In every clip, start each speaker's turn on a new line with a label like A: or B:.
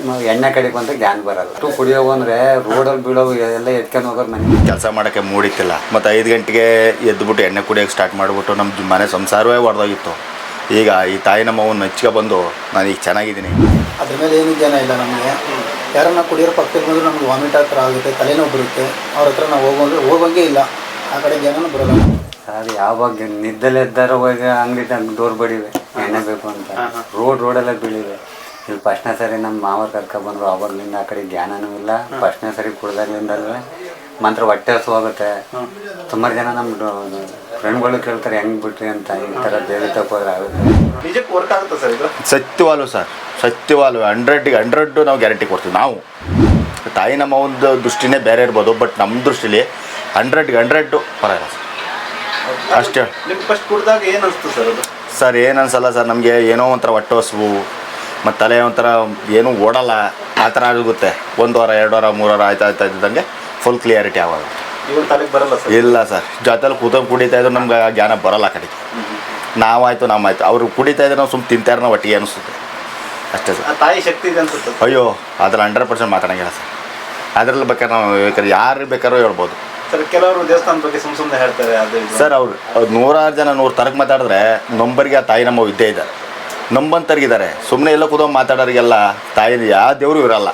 A: ಎಣ್ಣೆ ಕಡೆಗೆ ಬಂದ್ರೆ ಜ್ಞಾನ ಬರಲ್ಲ. ಕುಡಿಯೋವು ಅಂದರೆ ರೋಡಲ್ಲಿ ಬೀಳೋವು ಎಲ್ಲ ಎತ್ಕೊಂಡು ಹೋಗೋರು ಮನೆ
B: ಕೆಲಸ ಮಾಡೋಕ್ಕೆ ಮೂಡಿತ್ತಿಲ್ಲ. ಮತ್ತು 5 ಗಂಟೆಗೆ ಎದ್ದುಬಿಟ್ಟು ಎಣ್ಣೆ ಕುಡಿಯೋಕ್ಕೆ ಸ್ಟಾರ್ಟ್ ಮಾಡಿಬಿಟ್ಟು ನಮ್ಮ ಮನೆ ಸಂಸಾರವೇ ಹೊಡೆದೋಗಿತ್ತು. ಈಗ ಈ ತಾಯಿ ನಮ್ಮವನ್ನು ಹಚ್ಕೊ ಬಂದು ನಾನು ಈಗ ಚೆನ್ನಾಗಿದ್ದೀನಿ.
C: ಅದ್ರ ಮೇಲೆ ಏನು ಜ್ಞಾನ ಇಲ್ಲ ನಮಗೆ. ಯಾರನ್ನ ಕುಡಿಯೋರು ಪಕ್ಕದಲ್ಲಿ ಬಂದರೂ ನಮ್ಗೆ ವಾಮಿಟ್ ಹತ್ರ ಆಗುತ್ತೆ, ತಲೆನೋವು ಬರುತ್ತೆ. ಅವ್ರ ಹತ್ರ ನಾವು ಹೋಗೋಂಗೆ ಇಲ್ಲ. ಆ ಕಡೆ ಜ್ಞಾನನೂ ಬರೋಲ್ಲ.
A: ಸರ್ ಯಾವಾಗ ನಿದ್ದೆಲೆದ್ದಾರ ಹೋಗಿ ಅಂಗಡಿ ಡೋರ್ ಬಡಿವೆ ಎಣ್ಣೆ ಬೇಕು ಅಂತ ರೋಡೆಲ್ಲ ಬೀಳಿವೆ. ಇಲ್ಲಿ ಫಸ್ಟ್ನೇ ಸರಿ ನಮ್ಮ ಮಾವ ಕರ್ಕೊಬಂದ್ರು. ಅವಾಗಲಿಂದ ಆ ಕಡೆ ಜ್ಞಾನನೂ ಇಲ್ಲ. ಫಸ್ಟ್ನೇ ಸರಿ ಕುಡ್ದಾಗ್ಲಿಂದಲ್ವೇ ಮಾತ್ರ ಹೊಟ್ಟೆ ಹಸು ಹೋಗುತ್ತೆ. ಸುಮಾರು ಜನ ನಮ್ಮ ಫ್ರೆಂಡ್ಗಳು ಕೇಳ್ತಾರೆ ಹೆಂಗೆ ಬಿಟ್ರಿ ಅಂತ. ಈ ಥರ ದೇವಿ ತಗೋದ್ರೆ ಆಗುತ್ತೆ.
D: ನಿಜಕ್ಕೆ ವರ್ಕ್ ಆಗುತ್ತೆ ಸರ್ ಇದು?
B: ಸತ್ಯವಾಲು ಸರ್, ಸತ್ಯವಾಲು 100ಗೆ 100 ನಾವು ಗ್ಯಾರಂಟಿ ಕೊಡ್ತೀವಿ. ನಾವು ತಾಯಿ ನಮ್ಮ ಒಂದು ದೃಷ್ಟಿನೇ ಬೇರೆ ಇರ್ಬೋದು, ಬಟ್ ನಮ್ಮ ದೃಷ್ಟಿಲಿ 100ಗೆ 100 ಪರವಾಗಿಲ್ಲ ಸರ್. ಅಷ್ಟೇ.
D: ನಿಮ್ಗೆ ಫಸ್ಟ್ ಕುಡ್ದಾಗ ಏನು ಅನಿಸ್ತು ಸರ್ ಅದು?
B: ಸರ್ ಏನು ಅನ್ಸಲ್ಲ ಸರ್, ನಮಗೆ ಏನೋ ಒಂಥರ ಹೊಟ್ಟೆ ಹಸಿವು ಮತ್ತು ತಲೆ ಒಂಥರ ಏನೂ ಓಡಲ್ಲ ಆ ಥರ ಆಗುತ್ತೆ. 1 ವಾರ 2 ವಾರ 3 ವಾರ ಆಯ್ತಾ ಇದ್ದಂಗೆ ಫುಲ್ ಕ್ಲಿಯಾರಿಟಿ ಆಗೋದು.
D: ಇವಾಗ ತಲೆಗೆ ಬರಲ್ಲ ಸರ್?
B: ಇಲ್ಲ ಸರ್, ಜೊತೆಲಿ ಕೂತ್ಕೊಂಡು ಕುಡಿತಾ ಇದ್ರು ನಮ್ಗೆ ಜ್ಞಾನ ಬರೋಲ್ಲ ಆ ಕಡೆಗೆ. ನಾವಾಯ್ತು ನಮ್ಮಾಯ್ತು, ಅವರು ಕುಡಿತಾ ಇದ್ರೆ ನಾವು ಸುಮ್ಮನೆ ತಿಂತಾರೆ ನಾವು ಒಟ್ಟಿಗೆ ಅನಿಸುತ್ತೆ ಅಷ್ಟೇ ಸರ್.
D: ತಾಯಿ ಶಕ್ತಿ ಇದೆ ಅನ್ಸುತ್ತೆ?
B: ಅಯ್ಯೋ ಅದ್ರಲ್ಲಿ 100% ಮಾತಾಡೋಂಗಿಲ್ಲ ಸರ್. ಅದರಲ್ಲಿ ಬೇಕಾದ್ರೆ ನಾವು ಬೇಕಾದ್ರೆ ಯಾರು ಬೇಕಾದ್ರೂ ಹೇಳ್ಬೋದು
D: ಸರ್. ಕೆಲವರು ದೇವಸ್ಥಾನದ ಬಗ್ಗೆ ಸುಮ್ಮನೆ ಹೇಳ್ತಾರೆ ಅದು
B: ಸರ್. ಅವ್ರು 100 ಜನ 100 ತರಕ್ಕೆ ಮಾತಾಡಿದ್ರೆ ನಂಬರಿಗೆ ಆ ತಾಯಿ ನಮ್ಮ ಇದ್ದೇ ಇದ್ದಾರೆ, ನಂಬಂತರ್ಗಿದ್ದಾರೆ. ಸುಮ್ಮನೆ ಎಲ್ಲ ಕೂತ್ಕೊಂಡು ಮಾತಾಡೋರಿಗೆಲ್ಲ ತಾಯಿ ಯಾವ ದೇವರು ಇರಲ್ಲ.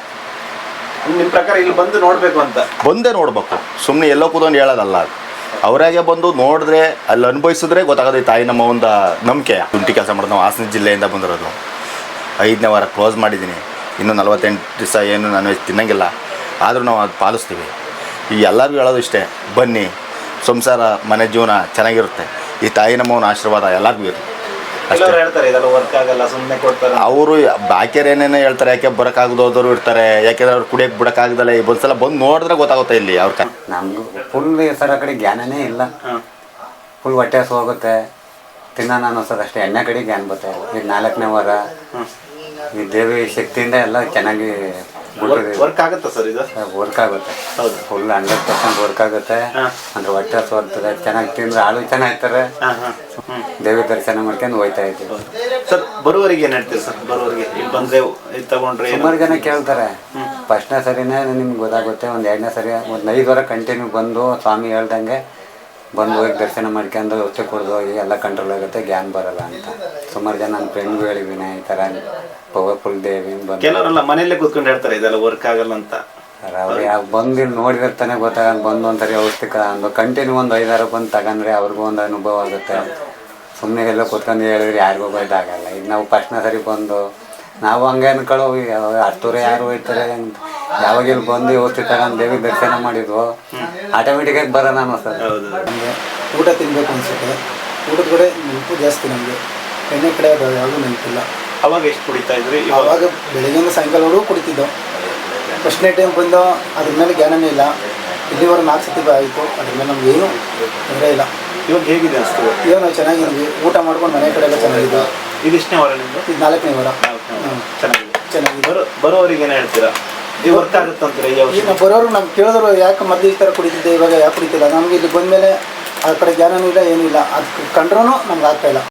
D: ನಿಮ್ಮ ಪ್ರಕಾರ ಇಲ್ಲಿ ಬಂದು ನೋಡಬೇಕು ಅಂತ?
B: ಬಂದೇ ನೋಡ್ಬೇಕು, ಸುಮ್ಮನೆ ಎಲ್ಲೋ ಕೂತ್ಕೊಂಡು ಹೇಳೋದಲ್ಲ. ಅದು ಅವರಾಗೆ ಬಂದು ನೋಡಿದ್ರೆ ಅಲ್ಲಿ ಅನುಭವಿಸಿದ್ರೆ ಗೊತ್ತಾಗೋದು ಈ ತಾಯಿ ನಮ್ಮ ಒಂದು ನಂಬಿಕೆ. ಶುಂಠಿ ಕೆಲಸ ಮಾಡೋದು. ನಾವು ಹಾಸನ ಜಿಲ್ಲೆಯಿಂದ ಬಂದಿರೋದು. 5ನೇ ವಾರ ಕ್ಲೋಸ್ ಮಾಡಿದ್ದೀನಿ. ಇನ್ನೂ 48 ದಿವಸ ಏನು ನಾನ್ ವೆಜ್ ತಿನ್ನಂಗಿಲ್ಲ. ಆದರೂ ನಾವು ಅದು ಪಾಲಿಸ್ತೀವಿ. ಈ ಎಲ್ಲರಿಗೂ ಹೇಳೋದು ಇಷ್ಟೇ, ಬನ್ನಿ, ಸಂಸಾರ ಮನೆ ಜೀವನ ಚೆನ್ನಾಗಿರುತ್ತೆ. ಈ ತಾಯಿ ನಮ್ಮವನ ಆಶೀರ್ವಾದ ಎಲ್ಲರಿಗೂ ಇರುತ್ತೆ.
D: ಹೇಳ್ತಾರೆ ಇದೆಲ್ಲ ವರ್ಕ್ ಆಗಲ್ಲ, ಸುಮ್ಮನೆ ಕೊಡ್ತಾರೆ.
B: ಅವರು ಬಾಕಿಯರು ಏನೇನೋ ಹೇಳ್ತಾರೆ, ಯಾಕೆ ಬರೋಕ್ಕಾಗದೋದ್ರು ಇರ್ತಾರೆ. ಯಾಕೆಂದ್ರೆ ಅವ್ರು ಕುಡಿಯೋಕ್ಕೆ ಬಿಡೋಕ್ಕಾಗ್ದಲ್ಲ. ಒಂದ್ಸಲ ಬಂದು ನೋಡಿದ್ರೆ ಗೊತ್ತಾಗುತ್ತೆ ಇಲ್ಲಿ ಅವ್ರ
A: ನಮಗೂ ಫುಲ್ ಸರ್ ಆ ಕಡೆ ಜ್ಞಾನನೇ ಇಲ್ಲ. ಫುಲ್ ಹೊಟ್ಟೆ ಹಸು ಹೋಗುತ್ತೆ, ತಿನ್ನೋಣ ಅನ್ನಿಸೋದು ಅಷ್ಟೇ. ಎಣ್ಣೆ ಕಡೆ ಜ್ಞಾನ ಬರುತ್ತೆ. ಈಗ 4ನೇ ವಾರ ಈ ದೇವಿ ಶಕ್ತಿಯಿಂದ ಎಲ್ಲ ಚೆನ್ನಾಗಿ
D: ವರ್ಕ್ ಆಗುತ್ತೆ ಸರ್ ಇದು?
A: ವರ್ಕ್ ಆಗುತ್ತೆ.
D: ಹೌದು,
A: ಫುಲ್ 100% ವರ್ಕ್ ಆಗುತ್ತೆ. ಅಂದ್ರೆ ಹೊಟ್ಟೆ ಹಸು ಬರ್ತದೆ. ಚೆನ್ನಾಗಿ ತಿಂದ್ರೆ ಆಳು ಚೆನ್ನಾಗಿರ್ತಾರೆ. ದೇವಿ ದರ್ಶನ ಮಾಡ್ಕೊಂಡು ಹೋಯ್ತಾ ಇದ್ದೀವಿ
D: ಸರ್. ಬರುವವರಿಗೆ ಏನು ಹೇಳ್ತೀವಿ ಸರ್? ಬರುವವರಿಗೆ ಇಲ್ಲಿ ಬಂದರೆ ತಗೊಂಡ್ರೆ
A: ಸುಮಾರು ಜನ ಕೇಳ್ತಾರೆ. ಫಸ್ಟ್ನೇ ಸರಿನೇ ನಿಮ್ಗೆ ಗೊತ್ತಾಗುತ್ತೆ. ಒಂದು 2ನೇ ಸರಿ ಒಂದು 5 ವಾರ ಕಂಟಿನ್ಯೂ ಬಂದು ಸ್ವಾಮಿ ಹೇಳ್ದಂಗೆ ಬಂದು ಹೋಗಿ ದರ್ಶನ ಮಾಡ್ಕೊಂಡು ಹೊಟ್ಟೆ ಕುಡ್ದು ಹೋಗಿ ಎಲ್ಲ ಕಂಟ್ರೋಲ್ ಆಗುತ್ತೆ, ಜ್ಞಾನ ಬರಲ್ಲ ಅಂತ. ಸುಮಾರು ಜನ ನನ್ನ ಫ್ರೆಂಡ್ಗೂ ಹೇಳಿದ್ದೀನಿ ಈ ಥರ ಪವರ್ಫುಲ್ ದೇವಿ ಬಂದು.
D: ಕೆಲವರೆಲ್ಲ ಮನೆಯಲ್ಲೇ ಕೂತ್ಕೊಂಡು ಹೇಳ್ತಾರೆ ಇದೆಲ್ಲ ವರ್ಕ್ ಆಗಲ್ಲ ಅಂತ.
A: ಅವ್ರು ಯಾವ ಬಂದು ಇಲ್ಲಿ ನೋಡಿರ್ತಾನೆ ಗೊತ್ತಾಗಲ್ಲ. ಬಂದು ಒಂದ್ಸರಿ ಔಷಧಿ ಒಂದು ಕಂಟಿನ್ಯೂ ಒಂದು 5 ವಾರ ಬಂದು ತಗೊಂಡ್ರೆ ಅವ್ರಿಗೂ ಒಂದು ಅನುಭವ ಆಗುತ್ತೆ. ಸುಮ್ಮನೆ ಎಲ್ಲ ಕೂತ್ಕೊಂಡು ಹೇಳಿದ್ರೆ ಯಾರಿಗೂ ಇದಾಗಲ್ಲ. ಈಗ ನಾವು ಫಸ್ಟ್ನೇ ಸರಿ ಬಂದು ನಾವು ಹಂಗೆ ಅನ್ಕೊಳ್ಳೋ ಹತ್ತೂರೆ ಯಾರು ಹೋಯ್ತಾರೆ ಅಂತ. ಯಾವಾಗ ಇಲ್ಲಿ ಬಂದು ಔಷಧಿ ತಗೊಂಡು ದೇವಿ ದರ್ಶನ ಮಾಡಿದ್ವು ಆಟೋಮೆಟಿಕಾಗಿ ಬರೋಣ ಅನ್ನಿಸ್ತದೆ.
C: ನಮಗೆ ಊಟ ತಿನ್ನಬೇಕು ಅನಿಸುತ್ತೆ. ಊಟದ ಕಡೆ ನೆನಪು ಜಾಸ್ತಿ ನಮಗೆ. ಎಣ್ಣೆ ಕಡೆ ಯಾವಾಗಲೂ ನೆನಪಿಲ್ಲ.
D: ಅವಾಗ ಎಷ್ಟು ಕುಡಿತಾ ಇದ್ರಿ?
C: ಆವಾಗ ಬೆಳಗ್ಗೆಯಿಂದ ಸಾಯಂಕಾಲವರೆಗೂ ಕುಡಿತಿದ್ದೋ. ಫಸ್ಟ್ನೇ ಟೈಮ್ ಬಂದು ಅದ್ರ ಮೇಲೆ ಜ್ಞಾನನೇ ಇಲ್ಲ. ಇಲ್ಲಿವರೆಗೆ 4 ಸತಿ ಆಯಿತು. ಅದ್ರ ಮೇಲೆ ನಮ್ಗೆ ಏನೂ ತೊಂದರೆ ಇಲ್ಲ.
D: ಇವಾಗ ಹೇಗಿದೆ ಅನಿಸ್ತದೆ?
C: ಇವಾಗ ನಾವು ಚೆನ್ನಾಗಿದ್ವಿ. ಊಟ ಮಾಡ್ಕೊಂಡು ಮನೆ ಕಡೆ ಎಲ್ಲ ಚೆನ್ನಾಗಿದ್ವಿ.
D: ಇದು ಎಷ್ಟನೇ ವಾರ ನಿಮ್ಮದು?
C: ಇದು 4ನೇ ವಾರ.
D: ಚೆನ್ನಾಗಿದೆ. ಬರೋವರಿಗೆ ಏನು ಹೇಳ್ತೀರಾ? ಇದು ವರ್ಕ್ ಆಗುತ್ತೆ ಅಂತೀರಾ?
C: ಈಗ ನಾವು ಬರೋರು ನಮ್ಗೆ ಕೇಳಿದ್ರು ಯಾಕೆ ಮೊದಲು ಈ ಥರ ಕುಡಿತಿದ್ದೆ, ಇವಾಗ ಯಾಕೆ ಕುಡಿತಿಲ್ಲ. ನಮಗೆ ಇಲ್ಲಿ ಬಂದಮೇಲೆ ಆ ಕಡೆ ಜ್ಞಾನನೂ ಇಲ್ಲ, ಏನೂ ಇಲ್ಲ. ಅದು ಕಂಡ್ರೂ ನಮ್ಗೆ ಆಗ್ತಾಯಿಲ್ಲ.